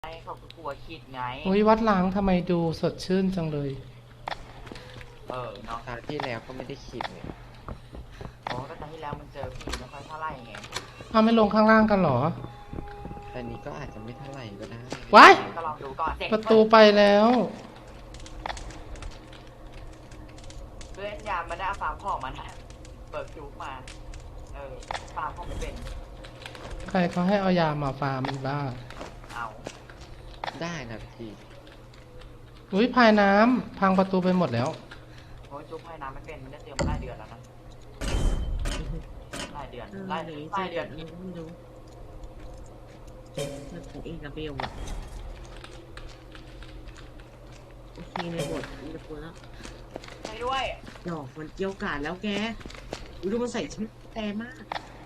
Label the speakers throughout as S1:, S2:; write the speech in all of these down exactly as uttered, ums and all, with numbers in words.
S1: ไอ้เขาก็กลัวคิดไง
S2: อุ้ยวัดล้างทำไมดูสดชื่นจังเลย
S1: เออเนาะ
S3: คราวที่แล้วก็ไม่ได้ขีดเนี่ย
S1: โอ้ก็ตอนที่แล้วมันเจอผีไม่ค่อยเท่าไหร่ไง
S2: อ้าวไม่ลงข้างล่างกันเหรอ
S3: แต่นี้ก็อาจจะไม่เท่าไหร่ก็ได้
S2: ว้าย
S1: ก็ลองดูก่อนเจ็
S2: ประตูไปแล้ว
S1: เพื่อนยามมันได้เอาฟาร์มของมันนะเบิกจุกมาเออฟาร์มของไม่เป็น
S2: ใครเขาให้เอายามาฟาร์มอีกบ้า
S1: เอา
S3: ได้นะพี่
S2: อุ้ยพายน้ำพังประตูไปหมดแล้ว
S1: โอ้ยจุกให้น้ำไม่เป็นมันได้เตรียมมาหลายเดือนแล้วนะหลายเดือนหลายเดือนหลายเดือนอีก
S4: ไม่รู้มันของเองกับเบลอะโอเคในบทในบทแล้ว
S1: ไปด้วย
S4: ดอกมันเกี่ยวกาดแล้วแกดูมันใส่ชุดแต่มาก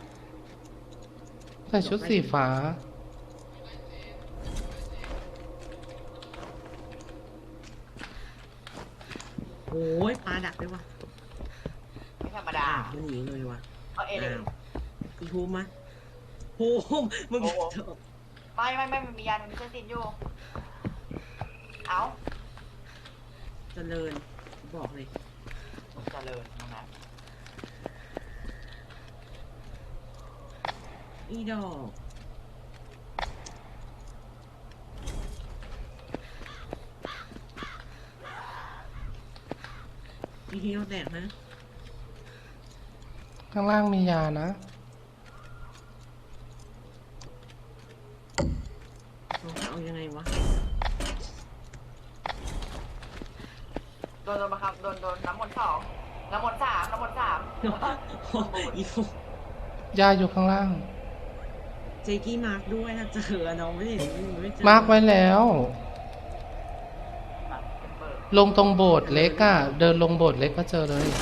S2: ใส่ชุดสีฟ้า
S4: โอ้ยปลาดักด้วยวะ
S1: ไม่ธรรมดา
S4: มันหนีเลยวะ
S1: เอาเอเลย
S4: อีฮูมมะโฮมมึง
S1: ไม่ไม่ไม่มันมียามันมีเส้นตินอยู่เอา
S4: เจริญบอกเลย
S1: เจริญนะ
S4: อีดอกอีเฮียวแตกนะ
S2: ข้างล่างมียานะ
S4: เราจะเอายังไงวะ
S1: โดนโดนมาครับโดนโดนน้ำมนต์สองน้ำมนต์สามน้ำมนต์สาม
S4: อีฟู
S2: ยาอยู่ข้างล่าง
S4: เจกี้มาร์กด้วยถ้าเจอน้องไม่เห็นไม่เจอ
S2: มาร์กไว้แล้วลงตรงโบสถ์เล็กอะเดินลงโบสถ์เล็กก็เจอเลย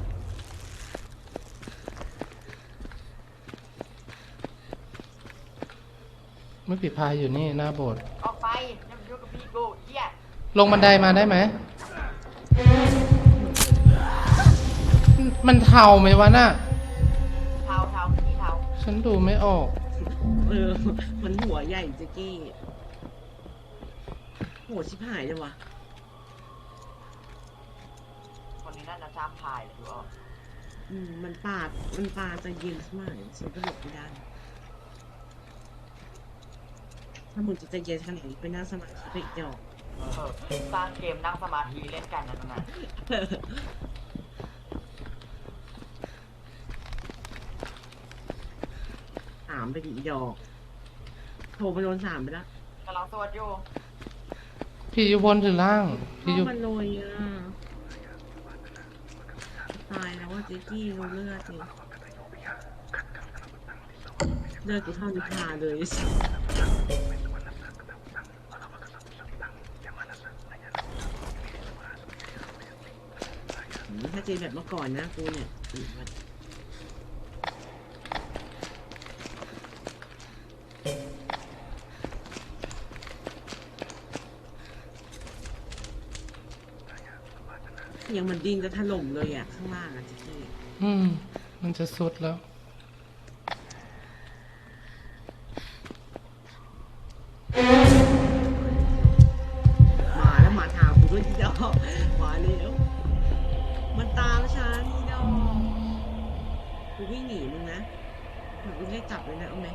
S2: ไม่ปิดพายอยู่นี่หน้าโบสถ์
S1: ออกไปยังอยู่กับพี่กูเหี้ย
S2: ลงบันไดมาได้ไหมมันเทาไหมวะน่ะ
S1: เทาเทาพี่เทา
S2: ฉันดูไม่ออก
S4: เออมันหัวใหญ่เจกี้โหชิบหายเลยวะ
S1: คนนี้น่าจะจำพายเลยดูออก
S4: อืมมันปาดมันปาดจะเย็นมากฉันก็หลบไม่ได้ถ้ามึงจะใจเย็นขนาดนี้ไปนั่งสมาธิไปอีกดอก
S1: เออสร้างเกมนั่งสมาธิเล่นกันนะตรงนั้น
S4: ถามไปดิอีดอกโทรไปโดนสามไปแล้ว
S1: กำลังสวดอยู่
S2: พี่อยู่บนหรือล่างพี่อยู่
S4: มันลอยอ่ะตายแล้วว่าเจ๊กี้เราเลือดสิเลือดกูเท่านิพาเลยถ้าเจแบบเมื่อก่อนนะกูเนี่ยยังมันดิ้นจะถล่มเลยอ่ะข้างล่างอ่ะจีกี้
S2: อืมมันจะสุดแล้ว
S4: มาแล้วมาถามกูด้วยที่ดอกมาแล้วมันตามฉันที่ดอกกูวิ่งหนีมึงนะเหมือนกูได้จับเลยนะเอาไหม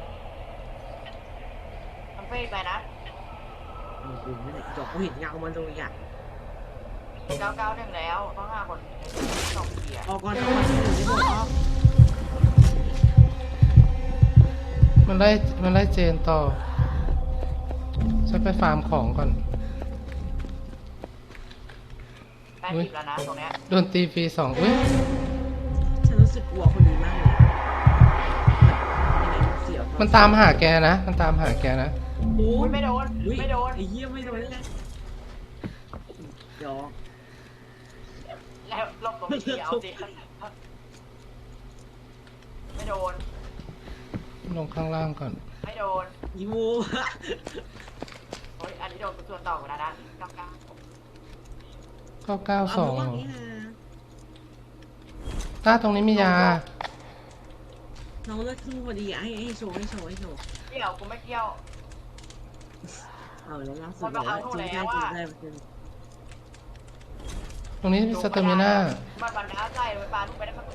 S1: มันเฟซไปนะ
S4: เออกูไม่ได้ดอกกูเห็นเงามันเลยอ่ะ
S1: เก้าเก้าหนึ่งแล้วต้องห้าคนสองเกียร์
S4: ออกก่อนออกก่อนที่หนึ่งไม่บอกออก
S2: มันไล่มันไล่เจนต่อฉันไปฟาร์มของก่อน
S1: แปดสิบแล้วนะตรงเนี้ย
S2: โดนตีฟรีสองอุ้ย
S4: ฉันรู้สึกกลัวคนนี้มากเลยเสียว
S2: มันตามหาแกนะมันตามหาแกนะ
S4: โอ้
S1: ยไม่โดนไม่โดน
S4: ไอ้เหี้ยไม่โดนเลยยอ
S1: แล้วลบตรงนี้เอาสิไม่โดน
S2: ลงข้างล่างก่อน
S1: ไม่โดน
S4: ยู
S1: โอ้ยอันนี้โดนส่วนต่อกันนะเก้าเก้า
S2: เก้าเก้าสองต้าตรงนี้มียา
S4: น้องเลือดขึ้นพอดีให้ให้โชว์ให้โชว์ให้โชว์
S1: เกี่ยวกูไม่เกี่ยว
S4: เอาแล้วล่าสุดเลยจริงได้จริงได้จริง
S2: ตรงนี้มีสเตอร์มิน่า
S1: มันมันน้าใจเลยปลาลงไปได้ครับ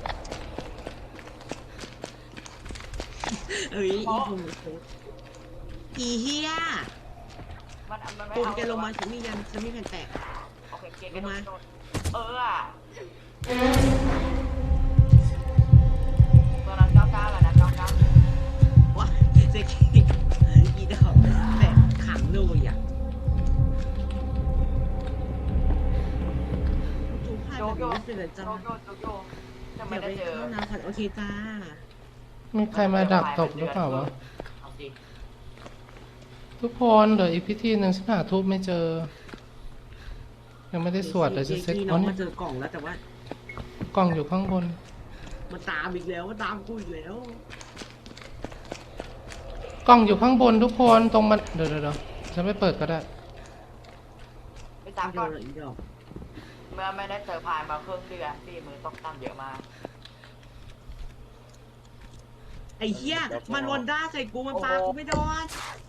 S4: เอ้ยอีภูมิอีเฮีย
S1: มันมันไม่
S4: ภูมิ
S1: เอา
S4: แกลงมาฉันมียันฉันมีแผ่นแตก
S1: โอเคเกมมาเอออ่ะตัวนั้นเก้าเก้าแล้วนะเก้าเก้า
S4: ว้าเจ๊กี้อีดอกแตกขังเลยอ่ะจูพาแบบนี้ไม่เป็นไร
S1: โย
S4: จ้า
S1: โยโยโยจะไม่
S4: เดี๋ยว
S1: ได้
S4: ไป
S1: เจอ
S4: เข้าน้ำค่ะโอเคจ้า
S2: มีใครมาดักตกหรือเปล่าวะ
S1: เอาสิ
S2: ทุกคนเดี๋ยวอีกพิธีหนึ่งฉันหาทูบไม่เจอ ยังไม่ได้สวดเลยจะเซ็ต
S4: น้
S2: อ๋
S4: อ
S2: อง นี่
S4: มาเจอกล่องแล้วแต่ว่าก
S2: ล่องอยู่ข้างบน
S4: มันตามอีกแล้วมันตามกูอีกแล้ว
S2: กล่องอยู่ข้างบนทุกคนตรงมันเดี๋ยวเดี๋ยวเดี๋ยวฉันไม่เปิดก็ได้
S1: ไปตาม
S4: เดี
S1: ก่
S4: ย
S1: อ
S4: วน เลยอีดอก
S1: เมื่อไม่ได้เจอพายมาครึ่งเดือนสี่มือต้องตั้มเยอะมาก
S4: ไอ้เหี้ยมันวนด้าใส่กูมันปากูไม่โดน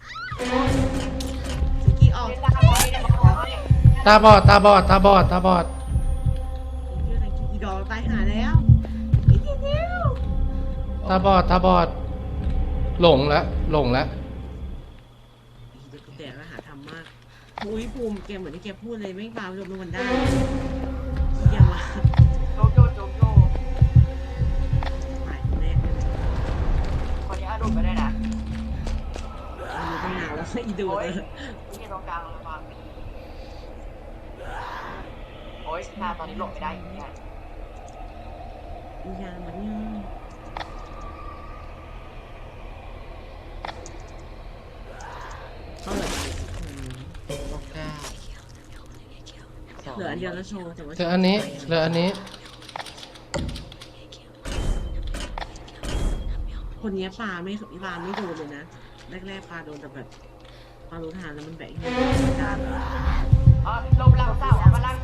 S4: สกีออก
S1: ไม่ได้ไม่ได้บอกว่า
S2: ตาบอดตาบอดตาบอดตาบอด
S4: อีดอกตายหาแล้วอีเดียว
S2: ตาบอดตาบอด หลงแล้วหลงแล้ว
S4: อีเด็กกูแตกแล้วหาทำมากอุ้ยภูมิแกเหมือนที่แกพูดเลยไม่ปาลงมันได้เยี่ยมมาก
S1: โยโยโยโย
S4: ตายคนแรกเลย
S1: คนนี้อดุไปได้นะ
S4: อายุตั้งนานแล้วอีดู
S1: โอ้
S4: เลย ย
S1: นี่ตรงกลางเลยฟังโอ้ยหน้าตอนนี้หลบไม่ได้อีกเนี่ย
S4: อียามันเนี่ยเขาเหลือ
S3: ก็เก้าสอง
S4: เหลืออันเดียวแล้วโชว์แต่ว่า
S2: เหลืออันนี้เหลืออันนี้
S4: คนนี้ปลาไม่ปลาไม่โดนเลยนะแรกๆปลาโดนแต่แบบปลารู้ทางแล้วมันแบกให้การ
S1: อ๋อลมลังเศร้าเอามาลัง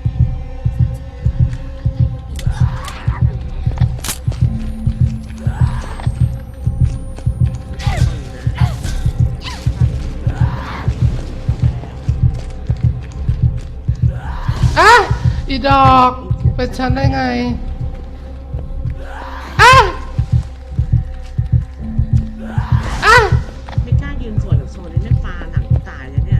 S2: อ่ะอีดอกเป็นฉันได้ไงอ่ะอ่ะ
S4: ไม่กล้ายืนสวนกับโซนนี้แม่ปลาหนังตายเลยเนี่ย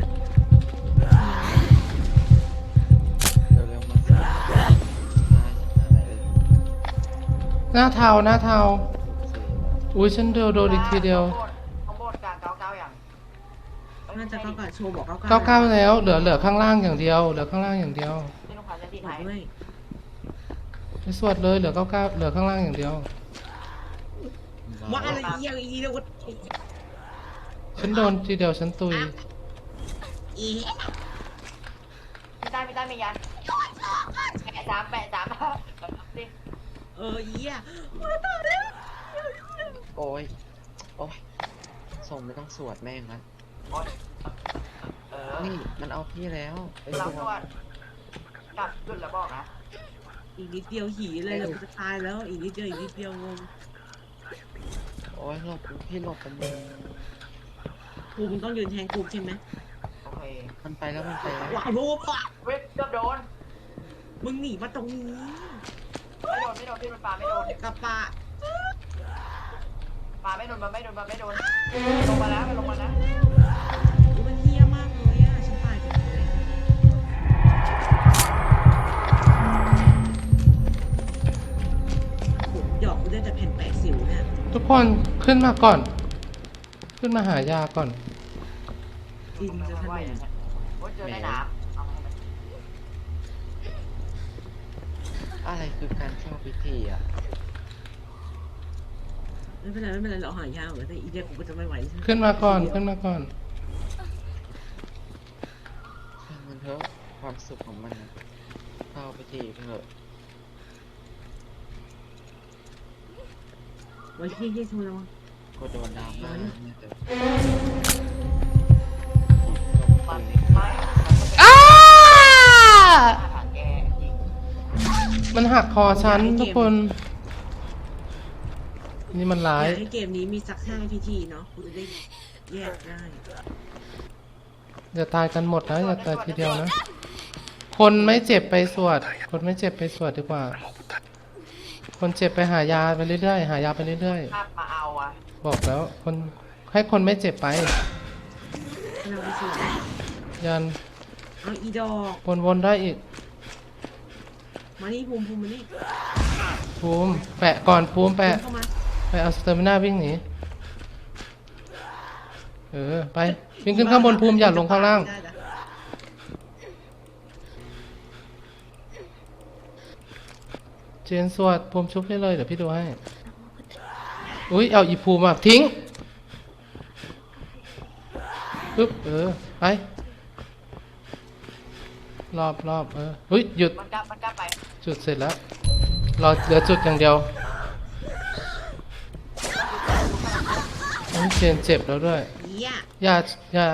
S3: เร็วๆมาสิตายอะไรเลย
S2: หน้าเทาหน้าเทา
S3: สี่
S2: อุ้ยฉันเดียวโดนอีกทีเดียว
S1: เขาโบดกลางเก้าเก้าอย่าง
S4: น่าจะเก้ากับโชว์บอกเก้า
S2: เก้าเก้าแล้วเหลือเหลือข้างล่างอย่างเดียวเหลือข้างล่างอย่างเดียว
S1: ที่ลูกค้าจะดี
S4: บอ
S1: ไท
S4: ก
S1: ย
S4: ด้วย
S2: ไปสวดเลยเหลือเก้าเก้าเหลือข้างล่างอย่างเดียว
S4: ว่าอะไรเยี่ยอีเดียว
S2: ฉันโดนทีเดียวฉันตุย
S4: อี
S1: พี่ใต้พี่ใต้มียันแปะสามแปะสามดิ
S4: เออเยี่ยมาต่อแล้ว
S3: โอ้ยโอ้ยส่งไม่ต้องสวดแม่งละ
S1: โอ๊ยเออ
S3: นี่มันเอาพี่แล้วไป
S1: เรา
S3: ส
S1: ตร
S3: ว
S1: ว
S3: ด
S1: จกลับจุดแล้วบอกนะ
S4: อีกนิดเดียวหีเลยเราจะตายแล้วอีกนิดเดียวอีกนิดเดียวงง
S3: โอ้ยหลบพี่หลบกันเลย
S4: กูมึงต้องยืนแทงกูใช่ไหม
S1: โอเค
S3: มันไปแล้วมันไปแล้ว
S4: ว้าวโว้ปะ
S1: เว้ยเกือบโดน
S4: มึงหนีมาตรงนี้
S1: ไม่โดนไม่โดนพี่มันปลาไม่โดน
S4: กับปะ
S1: ปลาไม่โดนมันไม่โดนมันไม่โดนลงมาแล้วมันลงมาแล้ว
S4: กูมันเฮี้ยมากเลยอ่ะฉันตายจังเลยผมหยอกกูได้แต่แผ่นแปะสิวเนี่ย
S2: ทุกคนขึ้นมาก่อน ขึ้นมาหายาก่อน
S4: ดินจะถล่ม
S1: โอ้ยเจอในน้ำเอาให้มัน
S3: อะไรคือการเข้าพิธีอ่ะ
S4: ไม่เป็นไรไม่เป็นไรเราหายาเหมือนแต่อีเดียกูก็จะไม่ไหว
S2: ขึ้นมาก่อนขึ้นมาก่อน
S3: ช่างมันเถอะความสุขของมันนะเข้าพิธีไปเถอะ
S4: ไว้ที่ที่โทรแล้ว
S3: ก็โดนดราม่าเนี่ยเถอะ
S1: มันไม่
S2: อ้า
S1: อาหารแกจริง
S2: มันหักคอฉันทุกคน นี่มันร้า
S4: อย ยากให้เกมนี้มีสักห้าพิธีเนาะกูจะได้แยกได้
S2: อย่าตายกันหมดนะอย่าตายทีเดียวนะ คนไม่เจ็บไปสวด คนไม่เจ็บไปสวดดีกว่า คนเจ็บไปหายาไปเรื่อยๆหายาไปเรื่อย
S1: ภาพมาเอาอ่ะ
S2: ๆบอกแล้วคนให้คนไม่เจ็บไป
S4: เราไปสวย
S2: ยัน
S4: เอาอีดอก
S2: วนๆได้อีก
S4: มานี่ภูมิภูมิมานี่
S2: ภูมิแปะก่อนภูมิแปะ
S4: เข้ามา
S2: ไปเอาสเตอร์มิน่าวิ่งหนีเออไปวิ่งขึ้นข้างบนภูมิอย่าลงข้างล่าง
S4: ได้นะ
S2: เจนสวดภูมิชุบให้เลยเดี๋ยวพี่ดูให้ อุ้ยเอาอีภูมิอ่ะทิ้งปึ๊บเออไปรอบรอบเอออุ้ยหยุด
S1: มันกลับมันกลับไป
S2: จุดเสร็จแล้วรอเหลือจุดอย่างเดียวอุ๊ยเจนเจ็บแล้วด้วย
S4: เหี้ย
S2: อย่าอย่า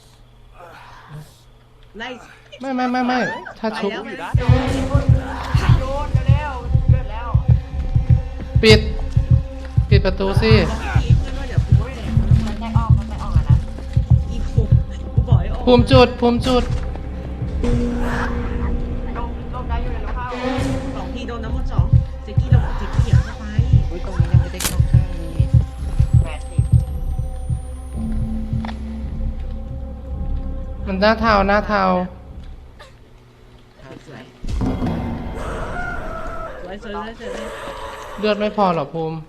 S4: ไล่
S2: ไม่ไม่ไม่ไม่ถ้า
S4: ไป
S2: ชุบ
S4: แล้วไปแล้ว
S1: โยนโยนเร็วๆเกิดแล้ว
S2: ปิด ปิดประตูสิ
S4: อีกเพื่อนว่าเดี๋ยวภูมิแตก
S1: มันแทกออกมันแทกออกแล้วนะ
S4: อีกภูมิกูบอกให้ออก
S2: ภูมิจุดภูมิจุด
S1: ลงลงได้อยู่ในลูกเข้า
S4: สองทีโดนน้ำมันสองเจ๊กี้เราบอกเจ๊กี้อย่าเข้าไป
S3: อุ้ยตรงนี้ยังไม่ได้เข้าข้างนี่
S1: แปดสิบ
S2: มันหน้าเทาหน้าเทา
S4: สวยสวยสวยสวยสวย
S2: เลือดไม่พอหรอภูมิ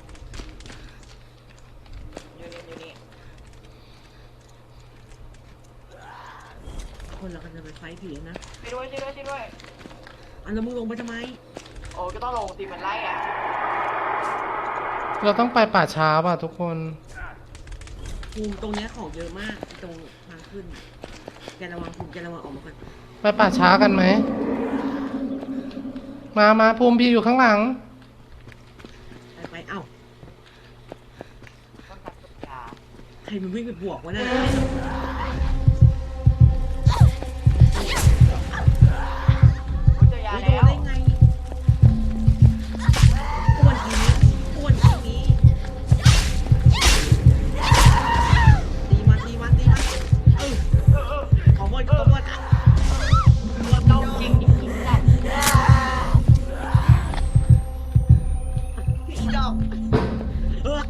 S1: อยู่นี่อยู่นี่
S4: คนเราก็จะไปไฟท์ผีนะ
S1: ไปด้วยช่วยด้วยช่วยด้วย
S4: อันแล้วมึงลงไปทำไม
S1: โอ้ก็ต้องลงตีมันไล่อ่ะ
S2: เราต้องไปป่าช้าป่ะทุกคน
S4: ภูมิตรงเนี้ยของเยอะมากตรงทางขึ้นแกระวังภูมิแกระวังออกมาก่อน
S2: ไปป่าช้ากันไหม มามาภูมิพี่อยู่ข้างหลัง
S4: ไปไปเอ้า
S1: ต้องตัดตุกยา
S4: ใครมันวิ่งไปบวกวะน่ะ
S1: โอ้เจอยา
S4: ไม่โด
S1: แล้ว
S4: นได้ไงอ้วนทีนี้อ้วนทีนี้ตีมันตีมันตีมันเออ
S1: เออเออ
S4: ขอหมดขอหมดอ่ะ
S1: เราต้องเก่งจริงๆจัด
S4: อีดอกเออ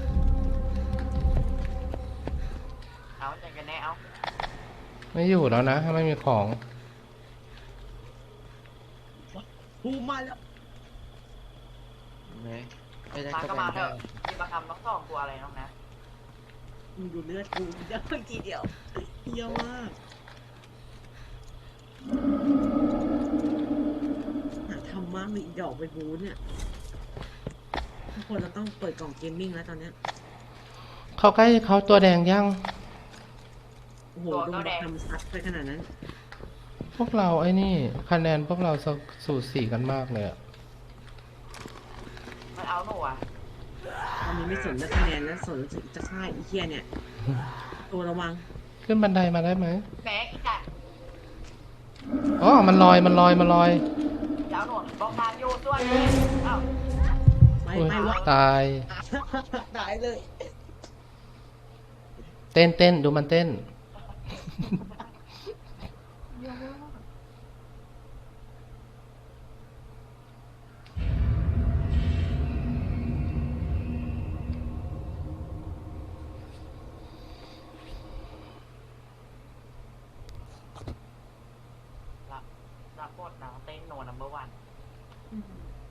S1: เอาใจกันแน่เอา
S2: ไม่อยู่แล้วนะถ้าไม่มีของ
S4: ภูมิมาแล้ว
S3: ไม่ไม่ได้
S1: มา
S3: ก็
S1: ก็
S3: ไป
S1: มาเถ
S3: ได้
S1: อะมีประคำต้องสองตัวอะไรน้องนะ
S4: มึงดูเลือดกูเดี๋ยวทีเดียวเยอะมากหาทำมากเลยอีดอกไปบูนเนี่ยทุกคนเราต้องเปิดกล่องเกมมิ่งแล้วตอนเนี้ย
S2: เขาใกล้เขาตัวแดงยัง
S4: โอ้โหโดนทำซัดไปขนาดนั้น
S2: พวกเราไอ้นี่ คะแนนพวกเราสูสีกันมากเลยอะ
S1: มันเอาหนูอ่ะ
S4: ตอนนี้ไม่สนเรื่องคะแนนแล้วสนจะฆ่าอีเคียเนี่ย ตัวระวัง
S2: ขึ้นบันไดมาได้ไหม
S1: แม็กอีกอ่ะ
S2: อ๋อ มันลอย มันลอย มันลอย
S1: จะเอาหนูบอกทางอยู่ส่วนนี้เอ้า
S4: ไม่
S2: อุ๊ย
S4: ไม่วะ
S2: ตาย
S4: ตายเลย
S2: เต้นเต้นดูมันเต้น
S1: รับรับบทนะเต้นโนนัมเบอร์วัน